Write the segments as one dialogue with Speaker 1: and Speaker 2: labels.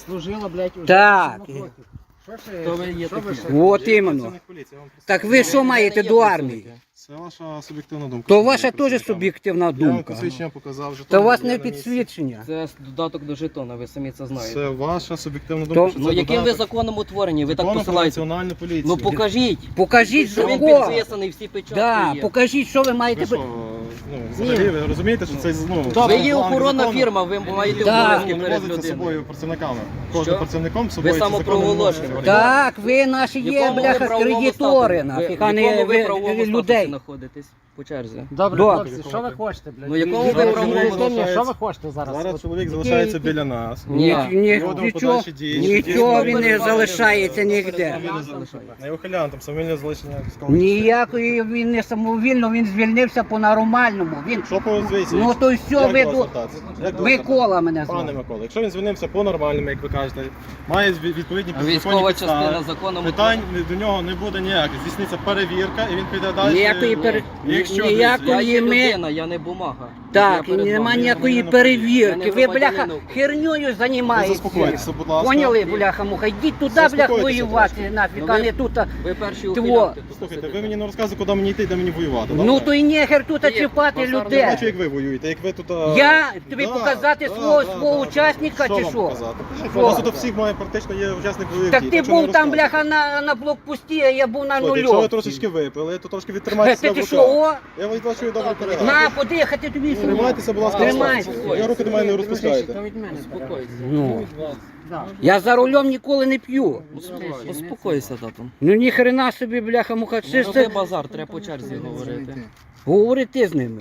Speaker 1: служила, блядь, уже
Speaker 2: Так.
Speaker 1: 40 років.
Speaker 3: Хто ви є такі?
Speaker 2: От іменно. Так ви що маєте до армії?
Speaker 4: Це ваша суб'єктивна думка.
Speaker 2: То ваша теж суб'єктивна
Speaker 4: Я вам
Speaker 2: думка.
Speaker 4: посвідчення показав. жетон
Speaker 2: То у вас
Speaker 4: є
Speaker 2: не
Speaker 4: на місці.
Speaker 2: підсвідчення.
Speaker 3: Це додаток до жетона, ви самі це знаєте.
Speaker 4: Це ваша суб'єктивна
Speaker 2: То-
Speaker 4: думка. що
Speaker 3: Ну
Speaker 4: це
Speaker 3: яким ви
Speaker 4: додаток.
Speaker 3: законом утворені? Ви так
Speaker 4: Законом про
Speaker 3: посилаєте?
Speaker 4: національну поліцію.
Speaker 3: Ну покажіть.
Speaker 2: Покажіть
Speaker 3: Що він
Speaker 2: закон.
Speaker 3: підписаний, всі печатки
Speaker 2: Да,
Speaker 3: є.
Speaker 2: покажіть, що ви
Speaker 4: Ви
Speaker 2: маєте.
Speaker 4: що, взагалі, ви розумієте, що це,
Speaker 3: Ви є
Speaker 4: план
Speaker 3: охоронна
Speaker 4: закону
Speaker 3: фірма, ви маєте
Speaker 2: Да.
Speaker 3: обов'язки
Speaker 4: не
Speaker 3: перед
Speaker 4: возиться з
Speaker 3: людиною.
Speaker 4: собою працівниками. Кожним працівником з собою
Speaker 3: Ви
Speaker 4: ці закони
Speaker 3: самопроголошені.
Speaker 4: не може.
Speaker 2: Так, ви наші
Speaker 3: В
Speaker 2: є,
Speaker 3: якому ви
Speaker 2: бляха,
Speaker 3: правовому
Speaker 2: кредитори,
Speaker 3: статусі?
Speaker 2: нафіг,
Speaker 3: В
Speaker 2: а не
Speaker 3: якому ви
Speaker 2: ви-
Speaker 3: правовому статусі
Speaker 2: людей.
Speaker 3: знаходитесь по черзі?
Speaker 1: Добре,
Speaker 2: Добре.
Speaker 1: хлопці, що ви хочете, блядь?
Speaker 3: Ну, якому
Speaker 1: Ви
Speaker 3: ви
Speaker 1: ж
Speaker 3: правовому
Speaker 1: розумієте,
Speaker 4: залишається?
Speaker 1: що ви хочете зараз?
Speaker 4: Зараз
Speaker 1: От
Speaker 4: чоловік
Speaker 1: які-
Speaker 4: залишається біля нас.
Speaker 2: Ні,
Speaker 3: Ні.
Speaker 4: Проводимо
Speaker 2: нічого,
Speaker 4: подальші дії.
Speaker 2: нічого він не
Speaker 3: Дійсно,
Speaker 2: залишається ніде.
Speaker 4: Не ухилянтом, самовільне залишення військового.
Speaker 2: Ніякої він не самовільно, він звільнився по-нормальному. Він...
Speaker 4: Що по звідси?
Speaker 2: Ну то й все,
Speaker 4: Як
Speaker 2: ви
Speaker 4: до вас
Speaker 2: тут...
Speaker 4: звертатися? Як до вас
Speaker 2: Микола мене
Speaker 4: звертатися? Пане
Speaker 2: звати.
Speaker 4: Микола, якщо він звільнився по-нормальному, як ви кажете, має відповідні
Speaker 3: А військова
Speaker 4: підзаконні
Speaker 3: частина
Speaker 4: підстави,
Speaker 3: законом
Speaker 4: питань до нього не буде ніяких. Здійсниться перевірка і він піде далі.
Speaker 2: Ніякої
Speaker 4: Якщо
Speaker 3: Я
Speaker 2: ніякої
Speaker 3: є
Speaker 2: ми...
Speaker 3: людина, я не бумага.
Speaker 2: Так,
Speaker 3: Я перед
Speaker 2: нема
Speaker 3: вами.
Speaker 2: ніякої
Speaker 3: Я
Speaker 2: перевірки.
Speaker 3: не
Speaker 2: Ви, бляха,
Speaker 3: громадянин.
Speaker 2: херньою
Speaker 4: Ви
Speaker 2: займаєтеся.
Speaker 4: заспокойтеся, будь ласка.
Speaker 2: Поняли, бляха, муха? Йдіть туди,
Speaker 4: Заспокойтеся
Speaker 2: блях, воювати
Speaker 4: трошки.
Speaker 2: нафіг,
Speaker 3: Ну,
Speaker 2: а
Speaker 3: ви-
Speaker 2: не тут.
Speaker 3: Ви перші
Speaker 2: Тво.
Speaker 3: ухилянти.
Speaker 4: Слухайте, ви мені не розказуєте, куди мені йти, де мені воювати.
Speaker 2: Ну
Speaker 4: добре?
Speaker 2: то і нехер тут
Speaker 3: Є,
Speaker 2: чіпати
Speaker 3: базар не
Speaker 4: Я бачу,
Speaker 2: людей.
Speaker 4: як ви воюєте, як ви тут...
Speaker 2: Я тобі показати свого учасника чи
Speaker 4: вам
Speaker 2: що?
Speaker 4: показати?
Speaker 2: Що?
Speaker 4: У вас тут всіх має практично є учасник бойових
Speaker 2: Так
Speaker 4: дій,
Speaker 2: ти
Speaker 4: що не
Speaker 2: був там,
Speaker 4: розказуйте.
Speaker 2: бляха, на блокпості, а я був на
Speaker 4: Слухайте, Якщо ви
Speaker 2: нульовці.
Speaker 4: трошечки випили, то трошки відтримайте себе
Speaker 2: Ти
Speaker 4: в
Speaker 2: що,
Speaker 4: руках.
Speaker 2: о?
Speaker 4: Я вас бачу добре передав.
Speaker 2: На, подихати тобі сюди.
Speaker 4: Тримайтеся, будь ласка,
Speaker 2: Тримайся.
Speaker 4: Я руки до мене не
Speaker 1: То
Speaker 4: розпускайте.
Speaker 1: від мене.
Speaker 3: Успокойся.
Speaker 2: Ну,
Speaker 1: Да.
Speaker 2: я за рулем ніколи не п'ю.
Speaker 3: Успокойся, тату.
Speaker 2: Ну ніхрена собі, бляха, муха.
Speaker 3: Не
Speaker 2: Це
Speaker 3: роби
Speaker 2: ж
Speaker 3: базар, треба по черзі говорити.
Speaker 2: говори ти з ними.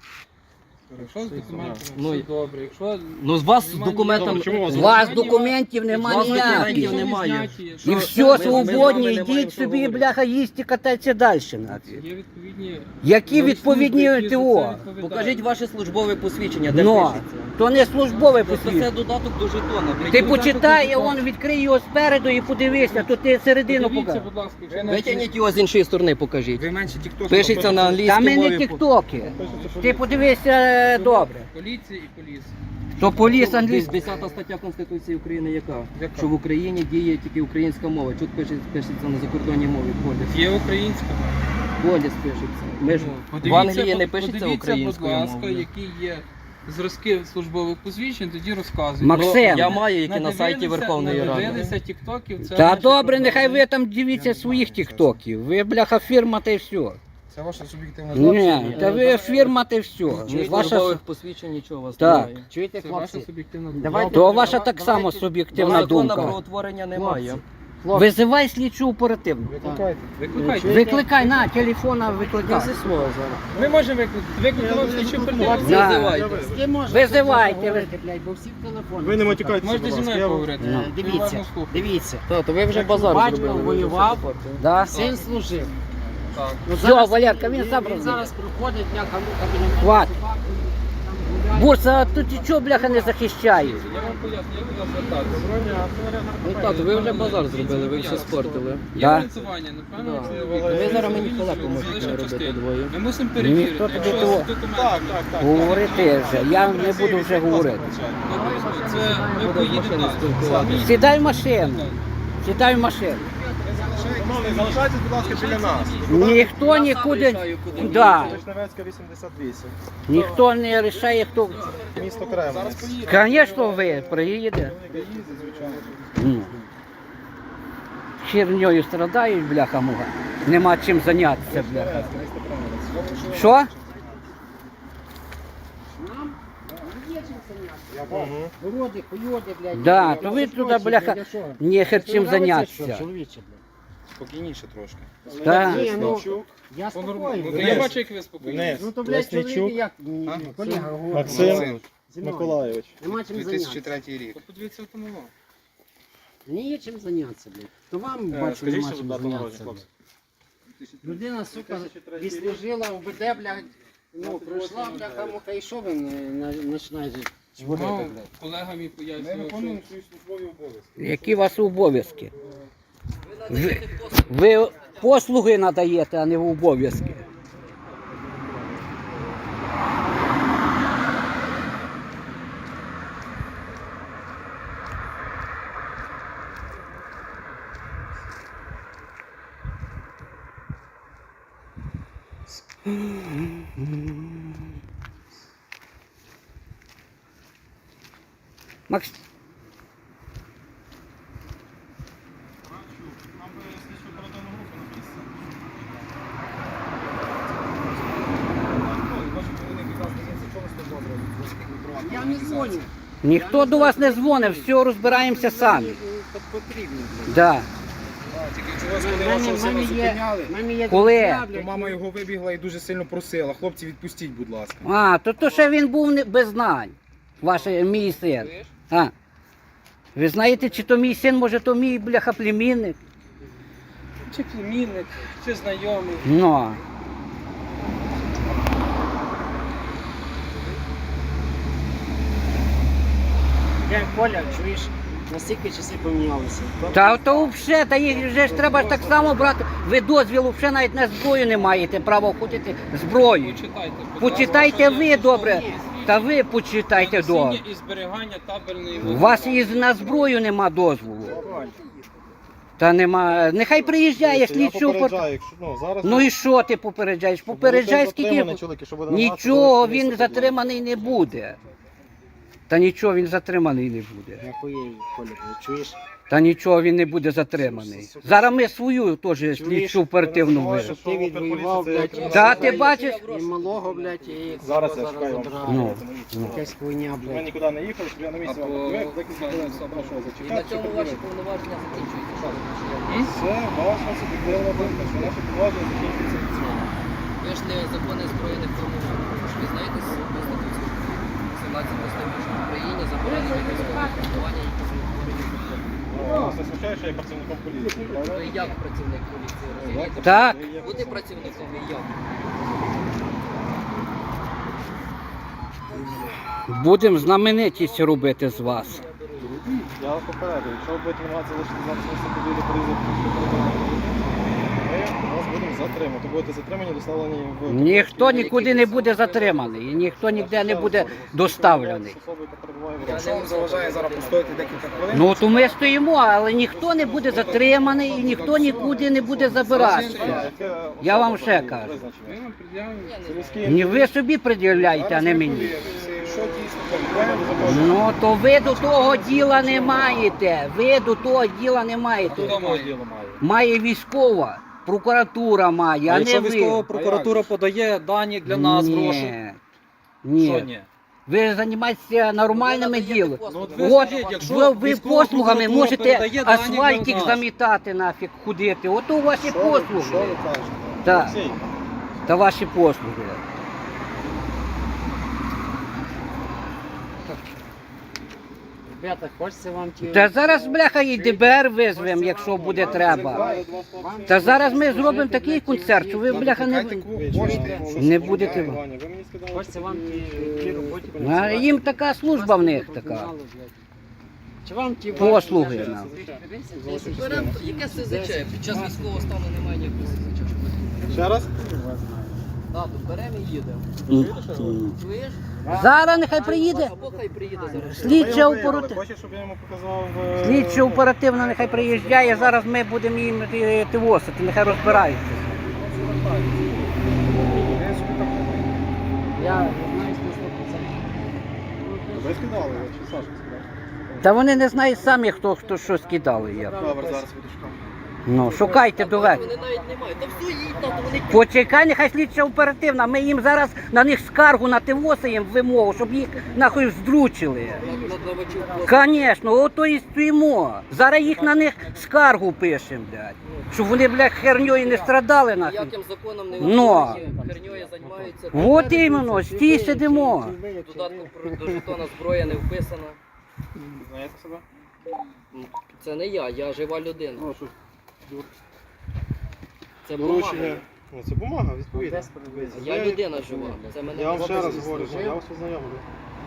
Speaker 5: Якщо з документами
Speaker 3: Ну,
Speaker 5: все добре, якщо
Speaker 3: Ну з вас з документом...
Speaker 4: Добре, чому у
Speaker 2: У вас документів нема
Speaker 3: З вас документів
Speaker 2: ніяких.
Speaker 3: немає.
Speaker 2: І
Speaker 3: Ми
Speaker 2: все,
Speaker 3: з вами не
Speaker 2: свободні,
Speaker 3: маємо
Speaker 2: йдіть
Speaker 3: що
Speaker 2: собі,
Speaker 3: говорити.
Speaker 2: бляха, їсти, катайтеся далі. нафіг.
Speaker 5: є відповідні...
Speaker 2: Які
Speaker 5: нові
Speaker 2: відповідні
Speaker 5: служби, які за
Speaker 2: ТО?
Speaker 5: це відповідають.
Speaker 3: Покажіть ваше службове посвідчення, де
Speaker 2: Ну,
Speaker 3: пишеться.
Speaker 2: то не службове
Speaker 3: Тобто це
Speaker 2: посвідчення.
Speaker 3: додаток до жетона.
Speaker 2: Ти почитай, он відкрий його спереду і подивися, то ти середину
Speaker 5: Подивіться,
Speaker 2: покажи.
Speaker 5: будь ласка, якщо
Speaker 3: Витягніть його з іншої сторони, покажіть.
Speaker 5: ви менше тікток.
Speaker 3: Пишеться на
Speaker 2: Та
Speaker 3: англійській
Speaker 2: ми не
Speaker 3: мові.
Speaker 2: тіктоки. Ти подивися добре.
Speaker 5: Поліція і поліс.
Speaker 2: То поліс англійський.
Speaker 3: 10 стаття Конституції України яка? Що в Україні діє тільки українська мова. Тут пишеться на закордонній мові поліс.
Speaker 5: Є українська.
Speaker 3: Поліс пишеться. Ми ж в Англії не пишеться
Speaker 5: Подивіться, будь
Speaker 3: українською
Speaker 5: ласка,
Speaker 3: мовою.
Speaker 5: які є зразки службових посвідчень, тоді розказуйте.
Speaker 2: Максим.
Speaker 3: Я маю, які на сайті
Speaker 5: Надивилися-
Speaker 3: Верховної Ради.
Speaker 5: Надивилися тіктоків, це
Speaker 2: Та
Speaker 5: наші
Speaker 2: добре,
Speaker 5: проблеми.
Speaker 2: нехай ви там дивіться своїх тіктоків. Ви, бляха, фірма та й все.
Speaker 4: Це ваша суб'єктивна
Speaker 2: Ні, та ви фірма та й все.
Speaker 3: Ні
Speaker 2: Ваша...
Speaker 3: службових посвідчень нічого у вас
Speaker 2: Так.
Speaker 3: немає.
Speaker 1: Чуєте,
Speaker 5: Це ваша
Speaker 1: хлопці?
Speaker 5: суб'єктивна думка.
Speaker 1: Давайте-
Speaker 2: То ваша так само суб'єктивна
Speaker 3: Закону про
Speaker 2: думка.
Speaker 3: утворення немає.
Speaker 1: Хлопці,
Speaker 2: Визивай слідчу оперативну.
Speaker 4: Викликайте.
Speaker 5: Викликайте.
Speaker 2: Викликай на телефона, викликай.
Speaker 5: Ми можемо викликати вам слідчу оперативну.
Speaker 2: Да.
Speaker 3: Визивайте.
Speaker 1: з ким можете
Speaker 2: Визивайте.
Speaker 1: говорити, блядь, бо всі в телефоні.
Speaker 4: Ви не матюкайтеся,
Speaker 5: Можете
Speaker 4: будь
Speaker 5: зі
Speaker 4: ласка.
Speaker 5: мною
Speaker 4: Я вам-
Speaker 5: поговорити?
Speaker 2: Ну,
Speaker 1: Дивіться,
Speaker 5: Уважно слухаю.
Speaker 1: дивіться.
Speaker 3: То ви вже базар
Speaker 1: Батько
Speaker 3: зробили.
Speaker 1: воював,
Speaker 3: Да?
Speaker 1: син служив.
Speaker 5: Так.
Speaker 1: Ну,
Speaker 2: Все, Валерка, він сам
Speaker 1: він
Speaker 2: розуміє.
Speaker 1: зараз приходить, бляха-муха, біля мене
Speaker 2: Хват.
Speaker 1: собаку, там гуляє.
Speaker 2: Бурса, а тут і чого, бляха, не захищаєш?
Speaker 5: Я вам поясню, як до нас звертатися.
Speaker 3: Ну так, ви вже базар зробили, ви все спортили.
Speaker 5: Є
Speaker 2: Да.
Speaker 5: фінансування, напевно,
Speaker 3: Да.
Speaker 5: чоловік.
Speaker 3: Ви зараз мені халепу
Speaker 5: Залишимо
Speaker 3: можете робити
Speaker 5: частину.
Speaker 3: двоє.
Speaker 5: Ми мусимо
Speaker 2: Ніхто
Speaker 5: перевірити,
Speaker 2: тобі
Speaker 5: якщо
Speaker 2: того-
Speaker 5: з документами.
Speaker 4: Так, так, так.
Speaker 2: Говорити вже, я не буду вже говорити.
Speaker 5: Це ви поїдете далі.
Speaker 3: спілкуватися.
Speaker 2: Сідай в машину. Сідай в машину.
Speaker 4: Шановний, залишайтесь, будь ласка, біля нас.
Speaker 2: Ніхто нікуди.
Speaker 3: Вирішаю, куди
Speaker 2: Да.
Speaker 4: Вишневецька, 88.
Speaker 2: Ніхто не рішає, хто.
Speaker 4: Місто Кремлець.
Speaker 2: Звісно, ви приїдете. Ну. Херньою страдають, бляха муга. Нема чим зайнятися, бляха. Що?
Speaker 1: Нам є чим зайнятися. Городи, хуйоди, блядь.
Speaker 2: Да, то ви туди, бляха, нехер чим зайнятися.
Speaker 1: Чоловіче, блядь.
Speaker 4: Спокійніше трошки.
Speaker 2: Так.
Speaker 1: Ні, ну, я
Speaker 5: Ну,
Speaker 1: спокійний.
Speaker 5: я бачу, як ви спокійні.
Speaker 4: Вниз.
Speaker 1: Ну то, блядь, чоловік
Speaker 4: Лесничук.
Speaker 1: як ні, колега говорить.
Speaker 4: Максим
Speaker 1: Зі мною.
Speaker 4: Миколайович.
Speaker 1: Нема чим зайнятися.
Speaker 6: 2003 рік.
Speaker 5: Подивіться автомобіль.
Speaker 1: Мені є чим зайнятися, блядь. То вам, бачу,
Speaker 4: Скажіть,
Speaker 1: нема
Speaker 4: що
Speaker 1: чим
Speaker 4: дату
Speaker 1: зайнятися,
Speaker 4: народження,
Speaker 1: блядь. Людина, сука, відслужила в БД, блядь, ну, пройшла, бляха, муха, і що ви починаєте чворити,
Speaker 5: Ну,
Speaker 1: блядь?
Speaker 5: колега мій пояснював, що...
Speaker 4: свої службові обов'язки.
Speaker 2: Які у вас обов'язки? Ви послуги надаєте, а не обов'язки. Макс,
Speaker 4: Нам би слідчу оперативну групу на місці.
Speaker 1: Я не дзвоню.
Speaker 2: ніхто до вас не дзвонив, все, розбираємося самі.
Speaker 1: Потрібно.
Speaker 2: Да.
Speaker 1: В мене є
Speaker 2: Коли?
Speaker 1: друзі, блядь,
Speaker 6: Мама його вибігла і дуже сильно просила. Хлопці, відпустіть, будь ласка.
Speaker 2: А, то ще він був без знань. Мій син. А. Ви знаєте, чи то мій син, може то мій бляха племінник?
Speaker 3: Чи племінник, чи знайомий.
Speaker 2: Ну.
Speaker 1: Я Коля, чуєш, настільки часи помінялися.
Speaker 2: Та то взагалі, та їх вже ж треба ж так само брати. Ви дозвілу взагалі навіть на зброю не маєте права входити зброю.
Speaker 5: Почитайте, будь
Speaker 2: Почитайте
Speaker 5: ласка,
Speaker 2: ви
Speaker 5: що
Speaker 2: добре.
Speaker 5: є.
Speaker 2: Та ви почитайте добре.
Speaker 5: Носіння і зберігання табельної
Speaker 2: У вас і на зброю нема дозволу. Та нема. Нехай приїжджає
Speaker 4: Я
Speaker 2: слідчу.
Speaker 4: попереджаю, якщо, зараз...
Speaker 2: Ну і що ти попереджаєш? Попереджай скільки. Нічого він затриманий не буде. Та нічого він затриманий не буде.
Speaker 1: Нахуєю, Коля, чуєш?
Speaker 2: Та нічого він не буде затриманий. Зараз ми свою теж слідчу оперативну вижимо.
Speaker 1: Ти відвоював, блядь,
Speaker 2: Та ти бачиш?
Speaker 1: і малого, блядь, і
Speaker 4: Зараз я чекаю вам.
Speaker 1: забрали.
Speaker 2: Ну.
Speaker 1: Якась хуйня,
Speaker 4: Ми
Speaker 1: блядь.
Speaker 4: нікуди не їхали, щоб я на місці вам
Speaker 3: Або-
Speaker 4: подивив, декілька хвилин прошу
Speaker 3: І на
Speaker 4: зачекати.
Speaker 3: цьому
Speaker 4: щоб
Speaker 3: ваші
Speaker 4: подивитися.
Speaker 3: повноваження закінчуються.
Speaker 4: Це ваша суб'єктивна думка, що наші повноваження закінчуються від цього.
Speaker 3: Ви ж не закони збройних формувань. Ви знаєте з Конституції 17 статті, що в Україні заборонені військові формування, які утворені законом.
Speaker 4: Вас не смущає, що я є працівником поліції, правда?
Speaker 3: Ви як працівник поліції розумієте?
Speaker 2: Так.
Speaker 4: Ви є
Speaker 3: Бути працівником і як?
Speaker 2: Будемо знаменитість робити з вас.
Speaker 4: Я вас попередив, якщо ви будете намагатися залишити нас на собі порізати, ми вас будемо затримати. Будете затримані, доставлені в...
Speaker 2: Ніхто нікуди не буде затриманий, і ніхто ніде не буде доставлений.
Speaker 4: Особа, яка перебуває в
Speaker 6: Якщо вам заважає зараз постояти декілька хвилин,
Speaker 2: Ну то ми стоїмо, але ніхто не буде затриманий і ніхто нікуди не буде забиратися. Я вам ще кажу.
Speaker 5: Ми вам пред'явимо.
Speaker 2: Ні, ви собі пред'являєте, а не мені.
Speaker 6: що дійсно проблема,
Speaker 2: Ну то ви до того діла не маєте. Ви до того діла не маєте. Має військова, прокуратура має, а не ви.
Speaker 7: Прокуратура подає дані для нас,
Speaker 2: Ні.
Speaker 7: гроші. Що
Speaker 2: Ні.
Speaker 7: ні?
Speaker 2: Ви займаєтеся нормальними ділами.
Speaker 7: ви
Speaker 2: От
Speaker 7: скажіть, якщо
Speaker 2: ви
Speaker 7: військова
Speaker 2: послугами
Speaker 7: прокуратура
Speaker 2: можете
Speaker 7: передає дані
Speaker 2: асфальтик
Speaker 7: для нас.
Speaker 2: замітати нафіг, ходити. Ото ваші
Speaker 4: Що ви
Speaker 2: послуги.
Speaker 4: кажете?
Speaker 2: Так,
Speaker 4: Олексій,
Speaker 2: та ваші послуги.
Speaker 1: Ребята, хочеться вам ті...
Speaker 2: Та зараз, бляха, і ДБР визвемо, якщо буде треба. Та зараз ми зробимо такий концерт, що ви, бляха, не будете.
Speaker 4: Ваня, ви мені сказали,
Speaker 1: Хочеться вам ті роботі...
Speaker 2: А їм така служба в них така.
Speaker 1: Чи вам ті...
Speaker 2: Послуги нам.
Speaker 3: Беремо, яке СЗЧ? Під час військового стану немає ніякого СЗЧ.
Speaker 4: Ще раз?
Speaker 3: Так, беремо і їдемо. Чуєш?
Speaker 2: Зараз нехай приїде.
Speaker 3: Або хай приїде зараз.
Speaker 2: Слідча оперативна.
Speaker 4: Хочеш, щоб я йому показав...
Speaker 2: Слідча оперативна нехай приїжджає, зараз ми будемо їм тивосити, нехай розбираються.
Speaker 1: Я знаю, що
Speaker 4: Ви скидали, чи Саша скидав?
Speaker 2: Та вони не знають самі, хто що скидали. Я.
Speaker 4: Добре, зараз буду шукати.
Speaker 2: Ну, шукайте до вечора.
Speaker 3: Вони навіть не мають. Та все їдь, то вони
Speaker 2: Почекай, нехай слідча оперативна, ми їм зараз на них скаргу на тивосимо вимогу, щоб їх нахуй здручили.
Speaker 3: надавачів.
Speaker 2: Звісно, ото і стоїмо. Зараз їх на них скаргу пишемо, блядь. Щоб вони, блядь, херньою не страдали нахуй.
Speaker 3: Ніяким законом не
Speaker 2: Ну.
Speaker 3: херньою займаються.
Speaker 2: От іменно, стій сидимо.
Speaker 3: Додатку до жетона зброя не вписана.
Speaker 4: Знаєте себе?
Speaker 3: Це не я жива людина.
Speaker 4: Ну, що,
Speaker 3: Це бумага.
Speaker 4: доручення. Ну, це бумага, відповідно.
Speaker 3: Я людина жива. Це мене
Speaker 4: Я вам ще раз
Speaker 3: звісно,
Speaker 4: говорю, що
Speaker 3: жив.
Speaker 4: я вас ознайомлю.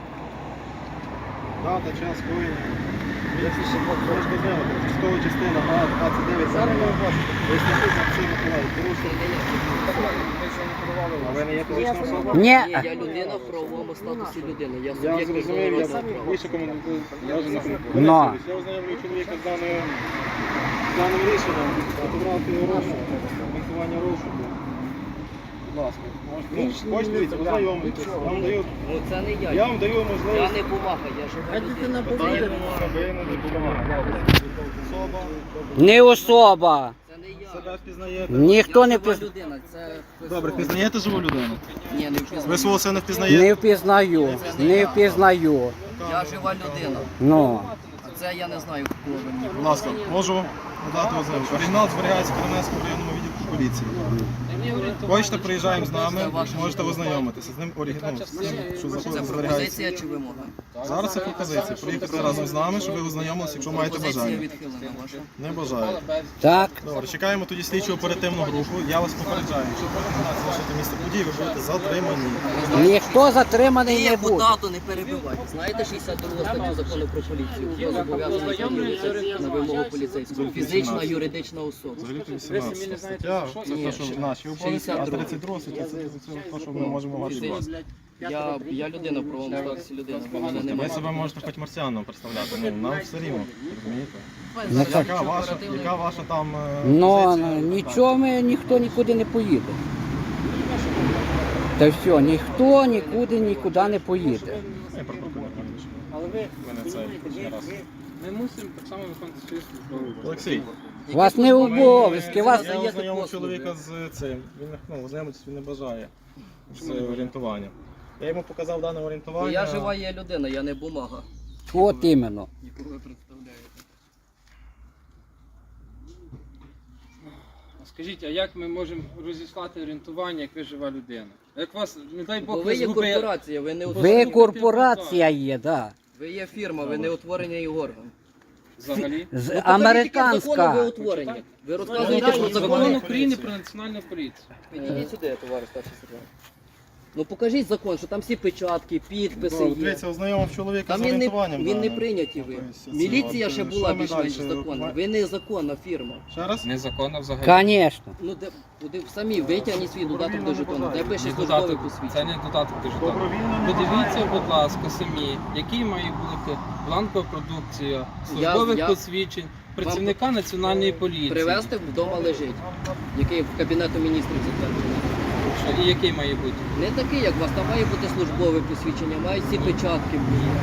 Speaker 4: Дата, час, коїння. Можете знайомити. Військова частина А29. Зараз ви бачите. Ви знаходите Олексій Миколаївич. Порушення. А ви не є фізична особа?
Speaker 2: Ні.
Speaker 3: Ні, я людина в правовому статусі людини. Я
Speaker 4: Я
Speaker 3: суб'єкт
Speaker 4: зрозумів, я
Speaker 3: міжнародного права.
Speaker 4: більше коментую. Я вже не коментую.
Speaker 2: Но.
Speaker 4: Я ознайомлюю чоловіка з даним рішенням. Фотографію розшуку, коментування розшуку. ласка. Хочете, дивіться, ознайомитись. Я вам даю,
Speaker 3: Ну це не я.
Speaker 4: я вам даю
Speaker 3: Я
Speaker 4: можливість.
Speaker 3: не бумага, я жива
Speaker 1: А дитина
Speaker 3: людина.
Speaker 4: Питання
Speaker 1: повинна.
Speaker 4: немає, ви не допомагаєте. Особа,
Speaker 2: Не особа.
Speaker 3: Це не я.
Speaker 4: себе впізнаєте.
Speaker 2: Ніхто
Speaker 3: Я
Speaker 2: не
Speaker 3: жива
Speaker 2: впізнає.
Speaker 3: людина, це хтось
Speaker 4: Добре,
Speaker 3: другий.
Speaker 4: впізнаєте живу людину?
Speaker 3: Ні, не
Speaker 4: Ви
Speaker 3: впізнаю.
Speaker 4: свого сина впізнаєте?
Speaker 2: Не впізнаю. Не впізнаю.
Speaker 3: Я жива людина.
Speaker 2: Ну.
Speaker 3: А це я не знаю, кого ви мені.
Speaker 4: Будь ласка, можу надати ознайомку. Оригінал зберігається в Кременецькому районному відділку поліції. Хочете, приїжджаємо з нами, можете ознайомитися з ним оригіналом, з тим, що
Speaker 3: Це
Speaker 4: зберігається.
Speaker 3: пропозиція чи вимога?
Speaker 4: Зараз це пропозиція. Приїхати разом з нами, щоб ви ознайомилися, якщо маєте
Speaker 3: Пропозиція
Speaker 4: бажання.
Speaker 3: відхилена ваша.
Speaker 4: Не бажаю.
Speaker 2: Так.
Speaker 4: Добре, чекаємо тоді слідчу оперативну групу. Я вас попереджаю, якщо пропонувати залишити місце події, ви будете затримані.
Speaker 2: Ніхто затриманий не
Speaker 3: Яку
Speaker 2: буде.
Speaker 3: дату не перебивайте. Знаєте 62 статтю закону про поліцію? Хто зобов'язаний з'явитися на вимогу поліцейського? Фізична, юридична особа.
Speaker 4: Взагалі 18 стаття, це те, що наші обов'язки, а 32 стаття це те, що ми можемо ваші вас.
Speaker 3: Я людина в правовому статусі людина. Ви мене не
Speaker 4: Ви
Speaker 3: маєте.
Speaker 4: себе можете хоч марсіаном представляти, ну нам все рівно, розумієте?
Speaker 2: Ну, так.
Speaker 4: Яка ваша там
Speaker 2: Ну,
Speaker 4: позиція?
Speaker 2: нічого ніхто нікуди не поїде. Та все, ніхто нікуди не поїде.
Speaker 4: Я про прокурора не вирішую.
Speaker 1: Але ви
Speaker 4: Мене це
Speaker 1: розумієте,
Speaker 4: раз.
Speaker 5: Ми мусимо так само виконувати свої службові.
Speaker 4: Олексій,
Speaker 2: У вас не обов'язки, вас
Speaker 4: я ознайомив чоловіка з цим. Він ознайомитись він не бажає з орієнтуванням. Я йому показав дане орієнтування.
Speaker 3: Я жива є людина, я не бумага.
Speaker 2: от іменно.
Speaker 3: Нікого ви представляєте.
Speaker 5: Скажіть, а як ми можемо розіслати орієнтування, як ви жива людина? Як вас, не дай
Speaker 3: Бо
Speaker 5: Бог,
Speaker 3: ви є
Speaker 5: згубили-
Speaker 3: корпорація, ви не
Speaker 2: Ви корпорація є, да.
Speaker 3: Ви є фірма, ви не утворений орган.
Speaker 5: взагалі?
Speaker 2: З
Speaker 3: Закону ви
Speaker 2: американська.
Speaker 3: утворені. Ви розказуєте про
Speaker 5: Закон
Speaker 3: закони.
Speaker 5: України про національну поліцію.
Speaker 3: Підійдіть сюди, товариш старший сержант. Ну покажіть закон, що там всі печатки, підписи є.
Speaker 4: Дивіться, ознайомив чоловіка
Speaker 3: Там
Speaker 4: з орієнтуванням.
Speaker 3: він не
Speaker 4: даним.
Speaker 3: прийнятий ви.
Speaker 4: Тобто,
Speaker 3: Міліція
Speaker 4: от,
Speaker 3: ще
Speaker 4: що
Speaker 3: була
Speaker 4: ми
Speaker 3: більш-менш
Speaker 4: далі?
Speaker 3: законна. Ви не законна фірма.
Speaker 4: Ще раз?
Speaker 5: Незаконно взагалі.
Speaker 2: Звісно.
Speaker 3: Ну де самі витягніть свій додаток до жетону. Де пише
Speaker 5: Не
Speaker 3: службове
Speaker 5: додаток, це
Speaker 3: посвідчення.
Speaker 5: не додаток до жетону.
Speaker 4: Добровільно не
Speaker 5: Подивіться,
Speaker 4: бажає.
Speaker 5: будь ласка, самі, який має бути бланкова продукція, службових
Speaker 3: я-
Speaker 5: посвідчень працівника національної поліції.
Speaker 3: Привезти вдома лежить, який в Кабінету міністрів затверджений.
Speaker 5: Що, і який має бути?
Speaker 3: Не такий, як у вас, там має бути службове посвідчення, мають всі печатки.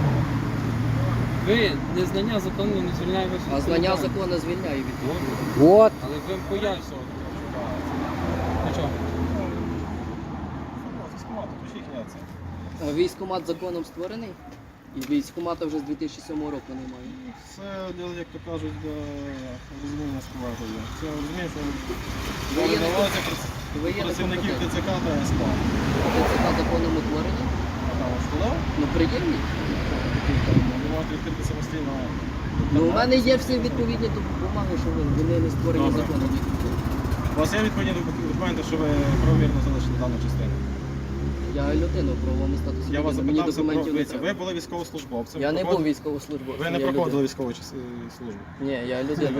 Speaker 5: Ви незнання закону не звільняє вас від
Speaker 3: А знання
Speaker 5: відповідальності.
Speaker 3: закону звільняє від того.
Speaker 2: От.
Speaker 5: Але ви пояснювати. Нічого.
Speaker 3: Військкомат законом створений? І військкомата вже з 2007 року немає.
Speaker 4: Це, як то кажуть, для розуміння складу. Це розумієш,
Speaker 3: Ви є не
Speaker 4: що
Speaker 3: Ви є
Speaker 4: працівників
Speaker 3: некомпетентні.
Speaker 4: ТЦК та СП.
Speaker 3: ТЦК законом утворені?
Speaker 4: А там школа,
Speaker 3: Ну приємні.
Speaker 4: ви можете відкрити самостійно.
Speaker 3: Ну у мене є всі відповідні бумаги, що вони не створені
Speaker 4: Добре.
Speaker 3: законом.
Speaker 4: У вас є відповідні документи, що ви правомірно залишили дану частину?
Speaker 3: Я людина в правовому статусі.
Speaker 4: Я вас
Speaker 3: людини, мені
Speaker 4: запитався про
Speaker 3: документів не
Speaker 4: дивіться,
Speaker 3: треба.
Speaker 4: ви були військовослужбовцем.
Speaker 3: Я не був
Speaker 4: проходили-
Speaker 3: військовослужбовцем.
Speaker 4: Ви не
Speaker 3: я
Speaker 4: проходили
Speaker 3: людина.
Speaker 4: військову службу.
Speaker 3: Ні, я людина.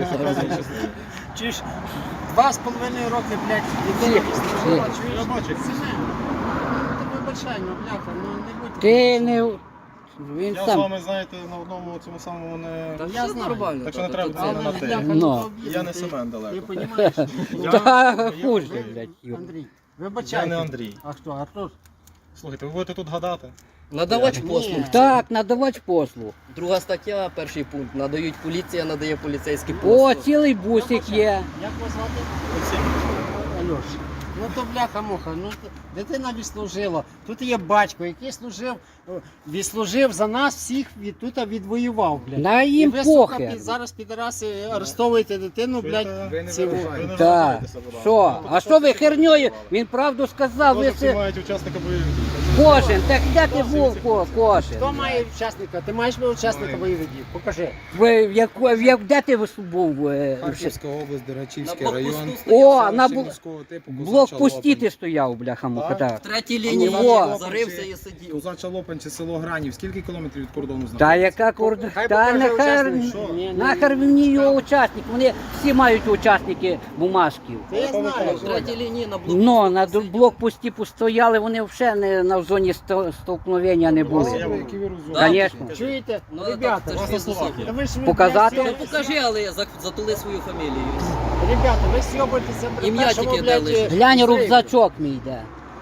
Speaker 1: Чи ж 2,5 роки, блядь, дитина служила, чуєш?
Speaker 4: Я бачу.
Speaker 1: Так вибачай, ну бляха, ну не будь.
Speaker 2: Ти не. Він
Speaker 4: Я з
Speaker 2: сам.
Speaker 4: вами, знаєте, на одному цьому самому не...
Speaker 3: Та
Speaker 1: Я
Speaker 3: все
Speaker 1: знаю.
Speaker 3: нормально.
Speaker 4: Так що не
Speaker 3: та,
Speaker 4: треба
Speaker 3: та,
Speaker 4: це
Speaker 3: це-
Speaker 4: на
Speaker 1: Але,
Speaker 4: те.
Speaker 1: бляха,
Speaker 2: Ну.
Speaker 1: ну то обідно,
Speaker 4: Я не
Speaker 1: ти-
Speaker 4: Семен
Speaker 1: Ти
Speaker 4: далеко.
Speaker 1: розумієш?
Speaker 2: Та хуже, блядь. Юр.
Speaker 1: Андрій,
Speaker 4: Я
Speaker 1: вибачай.
Speaker 4: не Андрій.
Speaker 1: А хто? Артур?
Speaker 4: Слухайте, ви будете тут гадати?
Speaker 3: Надавач
Speaker 1: Ні.
Speaker 3: послуг.
Speaker 2: Так, надавач послуг.
Speaker 3: Друга стаття, перший пункт. Надають поліція, надає поліцейський
Speaker 2: О,
Speaker 3: послуг.
Speaker 2: цілий бусик є.
Speaker 1: Як вас звати? Альош. Ну то бляха-муха, ну дитина відслужила. Тут є батько, який відслужив за нас всіх, тут відвоював, блядь.
Speaker 2: На
Speaker 1: І
Speaker 2: їм
Speaker 1: ви, сука,
Speaker 2: похер.
Speaker 1: зараз підараси арестовуєте дитину, блядь.
Speaker 4: Ви не
Speaker 1: цього.
Speaker 4: виражаєтеся, ви не
Speaker 2: Так.
Speaker 4: виражаєтеся, будь ласка.
Speaker 2: Що? А що ви херньою? Він правду сказав, ви
Speaker 4: Всі
Speaker 2: це
Speaker 4: мають учасника бойових.
Speaker 2: кожен. Так де ти був кожен?
Speaker 1: Хто має учасника? Ти маєш учасника бойових дій? Покажи.
Speaker 2: Ви де ти був?
Speaker 6: Харківська область,
Speaker 3: На
Speaker 6: Дерачівський
Speaker 3: блокпосту
Speaker 6: район.
Speaker 3: стояв.
Speaker 2: О, на
Speaker 6: Селище міського типу,
Speaker 2: блокпості ти стояв, бляха муха,
Speaker 4: Так.
Speaker 2: так.
Speaker 3: В третій лінії
Speaker 2: О.
Speaker 3: зарився і сидів.
Speaker 6: Козача Лопанці, село Гранів. Скільки кілометрів від кордону
Speaker 2: Та
Speaker 6: знаходиться?
Speaker 2: яка кордон?
Speaker 1: Хай
Speaker 2: Та
Speaker 1: покаже
Speaker 2: нахер,
Speaker 1: учасник, що? Ні, ні,
Speaker 2: нахер
Speaker 1: ні.
Speaker 2: мені його учасник. Вони всі мають учасники бумажків.
Speaker 1: Ти я знаю.
Speaker 3: В третій лінії на блокпосту.
Speaker 2: Ну, на блокпості постояли, вони взагалі не на зоні столкновення не були.
Speaker 6: Які ви розумні?
Speaker 3: Да,
Speaker 2: Звісно.
Speaker 1: Чуєте?
Speaker 3: Ну,
Speaker 1: Ребята,
Speaker 3: так, це ж
Speaker 4: власне,
Speaker 3: фізусов.
Speaker 4: Словакія.
Speaker 1: та ви ж ви,
Speaker 2: Показати?
Speaker 1: блядь,
Speaker 3: Ну
Speaker 1: всі-
Speaker 3: покажи, але затули свою фамілію.
Speaker 1: Ребята, ви сьобуєтеся при
Speaker 3: Ім'я
Speaker 1: першому,
Speaker 3: тільки
Speaker 1: блядь,
Speaker 3: дали.
Speaker 2: Глянь,
Speaker 1: зриві.
Speaker 2: рюкзачок мій йде.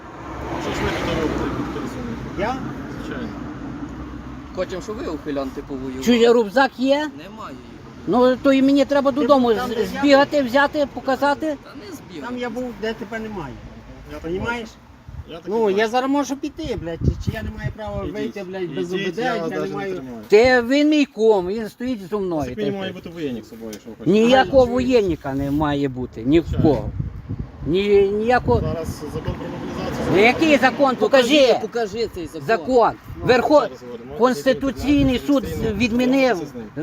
Speaker 4: Що ж ви тут робите, як підписані?
Speaker 1: Я?
Speaker 4: Звичайно.
Speaker 3: Хочемо, щоб ви ухилянти повоювали.
Speaker 2: Чужий рюкзак є?
Speaker 3: Немає її.
Speaker 2: Ну то і мені треба додому
Speaker 1: там, де я
Speaker 2: збігати, взяти, показати.
Speaker 3: Та не збігай.
Speaker 1: Там я був, де тепер немає.
Speaker 4: Я так
Speaker 1: Понімаєш?
Speaker 4: Я так
Speaker 1: Ну,
Speaker 4: і
Speaker 1: я
Speaker 4: бачу.
Speaker 1: зараз можу піти, блядь, чи я не маю права
Speaker 4: Ідіть.
Speaker 1: вийти, блядь, без
Speaker 4: Ідіть,
Speaker 1: ОБД,
Speaker 4: я
Speaker 1: я
Speaker 4: вас
Speaker 1: не
Speaker 4: навіть не
Speaker 1: маю...
Speaker 4: тримаю.
Speaker 2: Він мій ком, він стоїть зі мною.
Speaker 4: Так мені має бути воєнник з собою, якщо ви хочете.
Speaker 2: Ніякого воєнника не має бути, ні в кого. Ніякого.
Speaker 4: Зараз закон про мобілізацію.
Speaker 2: Ну, який закон? Покажи.
Speaker 3: Покажи цей закон.
Speaker 2: Закон. Конституційний суд відмінив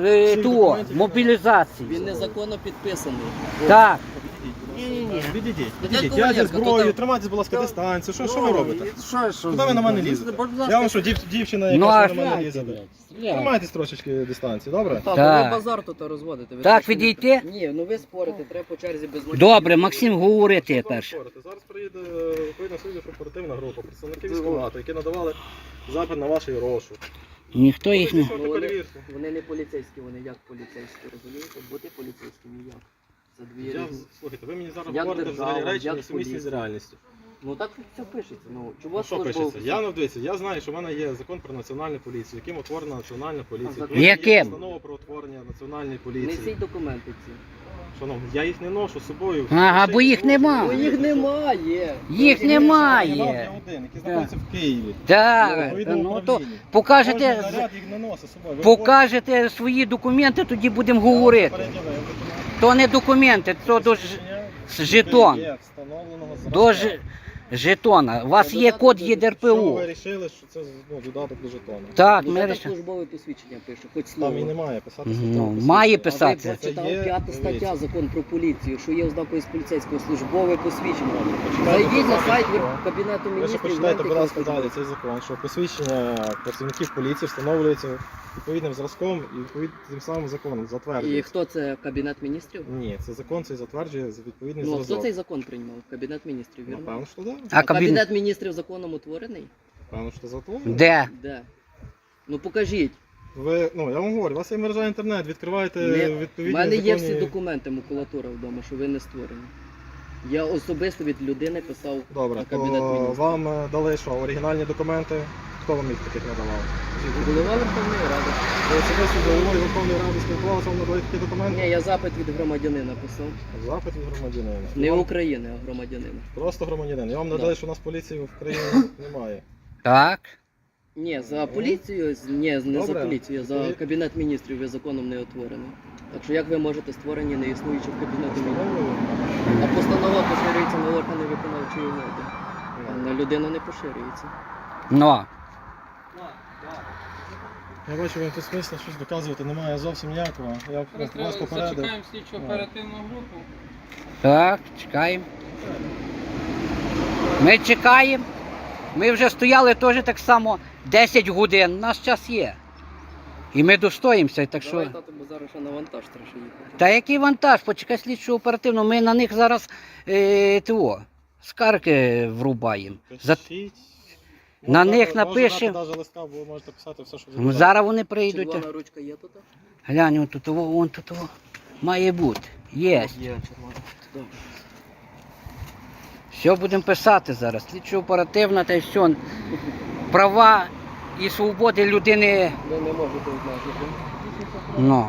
Speaker 2: ту мобілізацію.
Speaker 3: Він незаконно підписаний.
Speaker 2: Так.
Speaker 1: Ні-ні-ні.
Speaker 4: Відійдіть,
Speaker 3: Як
Speaker 4: відійдіть.
Speaker 3: Коваленко,
Speaker 4: Я зі зброєю,
Speaker 3: то там-
Speaker 4: тримайтесь, будь ласка, дистанцію. Що ви робите?
Speaker 1: Що?
Speaker 4: Куди ви на мене лізете? Я вам що, дівчина,
Speaker 2: Ну,
Speaker 4: яка
Speaker 2: а
Speaker 4: що на мене
Speaker 1: Стріляйте,
Speaker 4: лізе?
Speaker 1: блядь, стріляйте.
Speaker 4: Тримайтесь трошечки дистанції, добре?
Speaker 3: Так,
Speaker 2: Так.
Speaker 3: ви базар тут розводите. Ви
Speaker 2: Так,
Speaker 3: точно не-
Speaker 2: відійти?
Speaker 3: Ні, ну ви спорите, треба по черзі без мотивів.
Speaker 2: Добре, Максим, говори ти перше.
Speaker 4: Зараз приїде відповідна слідчо-оперативна група, представники військкомату, які надавали запит на ваш розшук.
Speaker 2: Ніхто їх не.
Speaker 4: Що ти перевірку?
Speaker 3: Вони не поліцейські, вони як поліцейські, розумієте? Бути поліцейськими як? Це дві різні.
Speaker 4: Слухайте, ви мені зараз
Speaker 3: Як
Speaker 4: говорите
Speaker 3: держава,
Speaker 4: взагалі речі,
Speaker 3: як
Speaker 4: несумісні з
Speaker 3: поліція.
Speaker 4: реальністю.
Speaker 3: Ну так все пишеться. Ну, чого
Speaker 4: А що пишеться? Я знаю, що в мене є закон про національну поліцію, яким утворена національна поліція.
Speaker 3: закон?
Speaker 4: Потім є
Speaker 2: Яким?
Speaker 4: Постанова про утворення національної поліції.
Speaker 3: Несіть документи ці.
Speaker 4: Шановні, я їх не ношу з собою.
Speaker 2: Ага, бо їх нема.
Speaker 3: Ну їх немає.
Speaker 2: Їх
Speaker 4: Я
Speaker 2: немає.
Speaker 4: один, який знаходиться в Києві.
Speaker 2: Так,
Speaker 4: Відповідному
Speaker 2: ну то
Speaker 4: управлінні. Кожен
Speaker 2: покажете,
Speaker 4: наряд їх не носить з собою. Ви
Speaker 2: покажете свої документи, тоді будемо
Speaker 4: говорите,
Speaker 2: говорити.
Speaker 4: переділив документи.
Speaker 2: То не документи, то до жетон.
Speaker 4: Є встановленого зразка.
Speaker 2: До жетона. У вас є код
Speaker 4: Що
Speaker 2: ЄДРПУ.
Speaker 4: ви вирішили, що це додаток до жетону?
Speaker 2: Так,
Speaker 3: Ну,
Speaker 2: ми
Speaker 3: це так
Speaker 2: рішили.
Speaker 3: службове посвідчення пише, хоч
Speaker 4: Там і
Speaker 3: слово.
Speaker 4: немає писати
Speaker 2: Ну,
Speaker 4: стаття.
Speaker 2: має
Speaker 3: А ви
Speaker 2: писати.
Speaker 4: Це
Speaker 3: прочитали
Speaker 4: є,
Speaker 3: 5 стаття
Speaker 4: дивіться.
Speaker 3: закон про поліцію, що є ознакою з поліцейського службове посвідчення.
Speaker 4: Почитайте,
Speaker 3: Зайдіть на
Speaker 4: будь
Speaker 3: сайт
Speaker 4: ласка.
Speaker 3: Кабінету
Speaker 4: Ви ще
Speaker 3: міністрів.
Speaker 4: почитайте, будь ласка,
Speaker 3: гляньте,
Speaker 4: далі цей закон, що посвідчення працівників поліції встановлюється відповідним зразком і тим самим законом
Speaker 3: І
Speaker 4: затверджується.
Speaker 3: хто це Кабінет міністрів?
Speaker 4: Ні, це закон цей затверджує за відповідний
Speaker 3: Ну, а хто
Speaker 4: зразок.
Speaker 3: цей закон приймав? Кабінет міністрів, вірно?
Speaker 4: Напевно, що так.
Speaker 2: А кабінет?
Speaker 3: Кабінет міністрів законом утворений?
Speaker 4: Напевно, що затворено.
Speaker 2: Де?
Speaker 3: Де? Ну покажіть.
Speaker 4: Ви, ну, я вам говорю, у вас є мережа інтернет, відкриваєте
Speaker 3: У
Speaker 4: відповідні
Speaker 3: мене є всі
Speaker 4: законні-
Speaker 3: документи, макулатура вдома, що ви не створені. Я особисто від людини писав
Speaker 4: Добре,
Speaker 3: на
Speaker 4: то
Speaker 3: Кабінет міністрів.
Speaker 4: вам дали що, оригінальні документи? Хто вам їх таких надавав?
Speaker 3: Голова Верховної Ради.
Speaker 4: Ви особисто з головою Верховної Ради спілкувалися, вам надали такі документи?
Speaker 3: Ні, я запит від громадянина писав.
Speaker 4: Запит від громадянина.
Speaker 3: Не
Speaker 4: Вам
Speaker 3: України, а громадянина.
Speaker 4: Просто громадянин. Я вам
Speaker 3: Да.
Speaker 4: надали, що у нас поліції в країні немає.
Speaker 2: Так.
Speaker 3: Ні, за поліцію, ні, не
Speaker 4: Добре.
Speaker 3: за поліцію, за Кабінет міністрів ви законом не утворений. Так що як ви можете створені не існуючи в Кабінеті міністрів? А постанова поширюється на органи виконавчої влади. А на людину не поширюється.
Speaker 2: Ну.
Speaker 4: Я бачу, вам тут смисла щось доказувати немає зовсім ніякого. Я
Speaker 5: Зараз
Speaker 4: вас попередив.
Speaker 5: зачекаємо слідчу оперативну групу.
Speaker 2: Так, чекаємо. Ми чекаємо. Ми вже стояли теж так само 10 годин. У нас час є. І ми достоїмося, так що.
Speaker 3: Давай, тато, бо зараз ще на вантаж треба ще їхати.
Speaker 2: Та який вантаж? Почекай слідчу оперативно. Ми на них зараз скарги врубаємо.
Speaker 4: Пишіть.
Speaker 2: На
Speaker 4: Можна-
Speaker 2: них
Speaker 4: можна
Speaker 2: напишемо.
Speaker 4: дати навіть листка, бо можете писати все, що ви
Speaker 2: Ну,
Speaker 4: бажаєте.
Speaker 2: зараз вони прийдуть.
Speaker 3: Червона ручка є тут?
Speaker 2: Глянь, вон тут, вон тут. Має бути. Є.
Speaker 3: Є червона. Добре.
Speaker 2: Все будемо писати зараз. Слідчо оперативна та й все. Права і свободи людини.
Speaker 3: Ви не можете обмежити.
Speaker 2: Ну.